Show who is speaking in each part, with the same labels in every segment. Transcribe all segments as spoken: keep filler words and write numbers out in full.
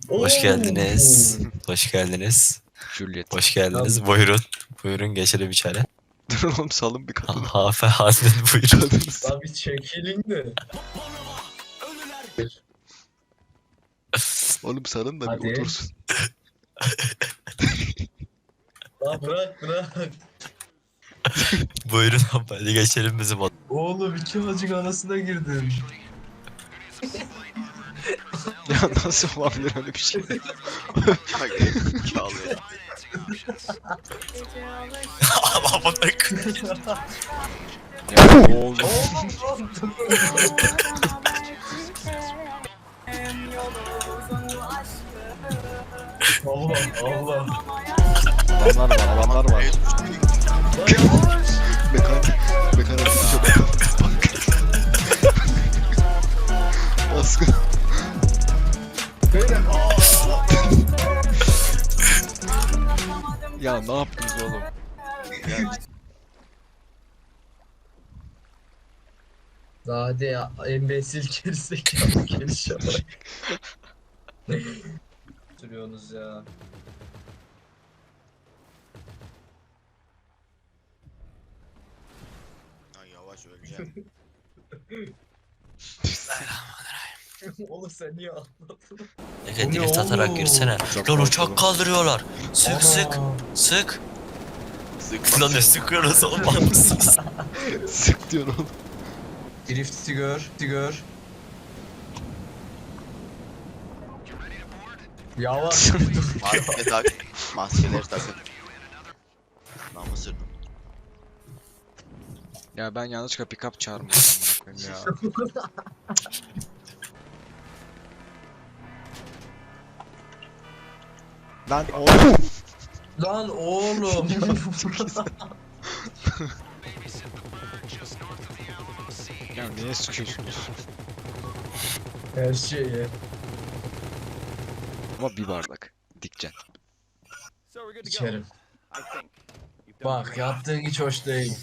Speaker 1: Hoş geldiniz.
Speaker 2: Oo.
Speaker 1: Hoş geldiniz.
Speaker 3: Juliet.
Speaker 1: Hoş geldiniz. Buyurun. Buyurun geçelim içeri.
Speaker 3: Dur oğlum salın bir
Speaker 1: Ha,
Speaker 3: kadını.
Speaker 1: Hafe Hazret buyurun.
Speaker 3: Kadınız.
Speaker 2: Lan bir çekilin de.
Speaker 3: Oğlum salın da bir
Speaker 2: Hadi.
Speaker 3: otursun.
Speaker 2: Lan bırak bırak.
Speaker 1: Buyurun hadi geçelim bizim odaya.
Speaker 2: Oğlum iki hacık arasına girdin.
Speaker 3: Ya nasıl olabilir öyle bir şey?
Speaker 1: Ama bak.
Speaker 3: Ya oğlum.
Speaker 2: Allah Allah.
Speaker 3: Adamlar var adamlar var.
Speaker 2: Lan yavaş.
Speaker 3: Mekanik. Mekanik. Bak. Baskın.
Speaker 2: Beyler.
Speaker 3: Ya ne yaptınız oğlum?
Speaker 2: Hadi ya embesil gerizekalı gelişe bak. Sürüyorsunuz ya.
Speaker 4: Ya yavaş öleceğim.
Speaker 2: Oğlum sen niye anlatın?
Speaker 1: Ege
Speaker 2: Bu ne
Speaker 1: drift atarak
Speaker 2: oğlum?
Speaker 1: yürüsene.
Speaker 3: Uçak
Speaker 1: Lan
Speaker 3: var
Speaker 1: uçak
Speaker 3: oğlum.
Speaker 1: kaldırıyorlar. Sık sık. Sık.
Speaker 4: Sık
Speaker 1: Lan ne sıkıyoruz oğlum mısınız?
Speaker 3: Sık diyor oğlum.
Speaker 2: Drift'i gör, gör. Yavaş.
Speaker 4: Maske tak. Maskeleri takın. Namı sürdüm.
Speaker 3: Ya ben yanlışlıkla pick-up çağırmışım amına koyayım ya. Lan oğlum.
Speaker 2: Lan oğlum.
Speaker 3: Ya niye sıkıyorsunuz?
Speaker 2: Her şeye.
Speaker 3: Ama bir bardak. Dikcen.
Speaker 2: İçerim. Bak yaptığın hiç hoş değil.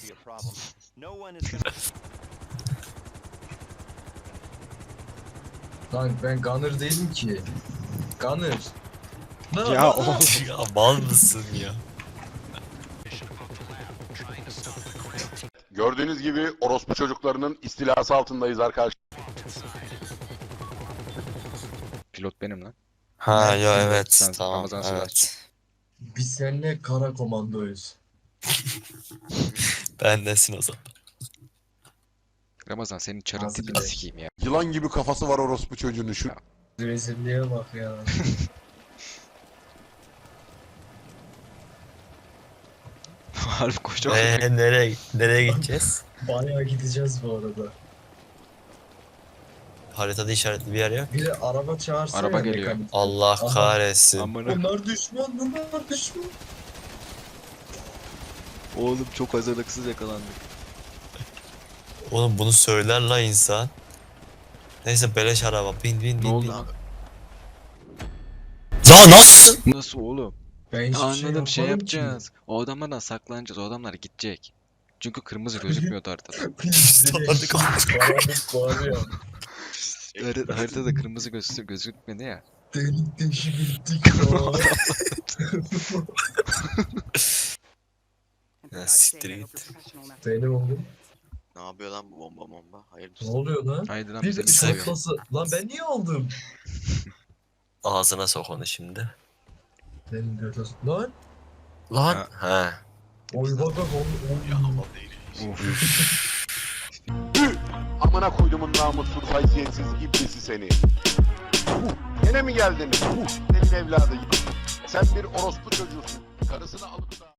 Speaker 2: Lan ben Gunner değilim ki. Gunner. Lan,
Speaker 3: Ya
Speaker 2: lan, lan.
Speaker 3: oğlum.
Speaker 1: Ya mal mısın ya?
Speaker 5: Gördüğünüz gibi orospu çocuklarının istilası altındayız arkadaşlar.
Speaker 3: Pilot benim lan.
Speaker 1: Ha
Speaker 2: Evet,
Speaker 1: ya
Speaker 3: sen-
Speaker 1: evet
Speaker 3: sen
Speaker 1: tamam
Speaker 3: Ramazan Sıraç.
Speaker 1: evet.
Speaker 2: Biz seninle kara komandoyuz.
Speaker 1: Ben nesin o zaman?
Speaker 3: Ramazan senin çarın
Speaker 2: Nasıl
Speaker 3: tipini
Speaker 2: bir-
Speaker 3: sikeyim ya.
Speaker 5: Yılan gibi kafası var orospu çocuğunun şu.
Speaker 2: Rezilliğe bak ya.
Speaker 3: Harbi koşacağım.
Speaker 1: Eee nereye nereye gideceğiz?
Speaker 2: Bayağı gideceğiz bu arada.
Speaker 1: Haritada işaretli bir yer yok.
Speaker 2: Bir de araba çağırsana.
Speaker 3: Araba geliyor.
Speaker 2: mekanik.
Speaker 1: Allah
Speaker 2: Aha.
Speaker 1: kahretsin.
Speaker 3: Amına.
Speaker 2: Bunlar düşman, bunlar düşman.
Speaker 3: Oğlum çok hazırlıksız yakalandık.
Speaker 1: Oğlum bunu söyler la insan. Neyse beleş araba. Bin bin bin
Speaker 3: Ne oldu
Speaker 1: bin.
Speaker 3: abi?
Speaker 1: Ya nasıl?
Speaker 3: Nasıl oğlum?
Speaker 2: Ben hiçbir
Speaker 3: Anladım şey,
Speaker 2: şey
Speaker 3: yapacağız. O adamlardan saklanacağız. O adamlar gidecek. Çünkü kırmızı gözükmüyordu haritada.
Speaker 1: Tanıdık.
Speaker 2: Karanlık var ya.
Speaker 3: Hari- haritada kırmızı gözü gözükmedi ya.
Speaker 2: Delik deşik gittik ya.
Speaker 1: Ya siktir git.
Speaker 2: Benim oğlum.
Speaker 4: Ne yapıyor lan bu bomba bomba? Hayırdır?
Speaker 2: Ne oluyor lan?
Speaker 3: Haydi lan
Speaker 2: Bir
Speaker 3: bize
Speaker 2: de
Speaker 3: bir koyuyor.
Speaker 2: şaklası. Lan ben niye aldım?
Speaker 1: Ağzına sok onu şimdi.
Speaker 2: Benim götür. Lan.
Speaker 1: Lan.
Speaker 3: Ha.
Speaker 1: Ha.
Speaker 2: Oy bak bak oğlum.
Speaker 4: Ya hava değil.
Speaker 3: Uf.
Speaker 5: Amına koydumun namussuz haysiyetsiz iblisi seni. Uh, Gene mi geldin? Uh, Senin evladı. Sen bir orospu çocuğusun. Karısını alıp da...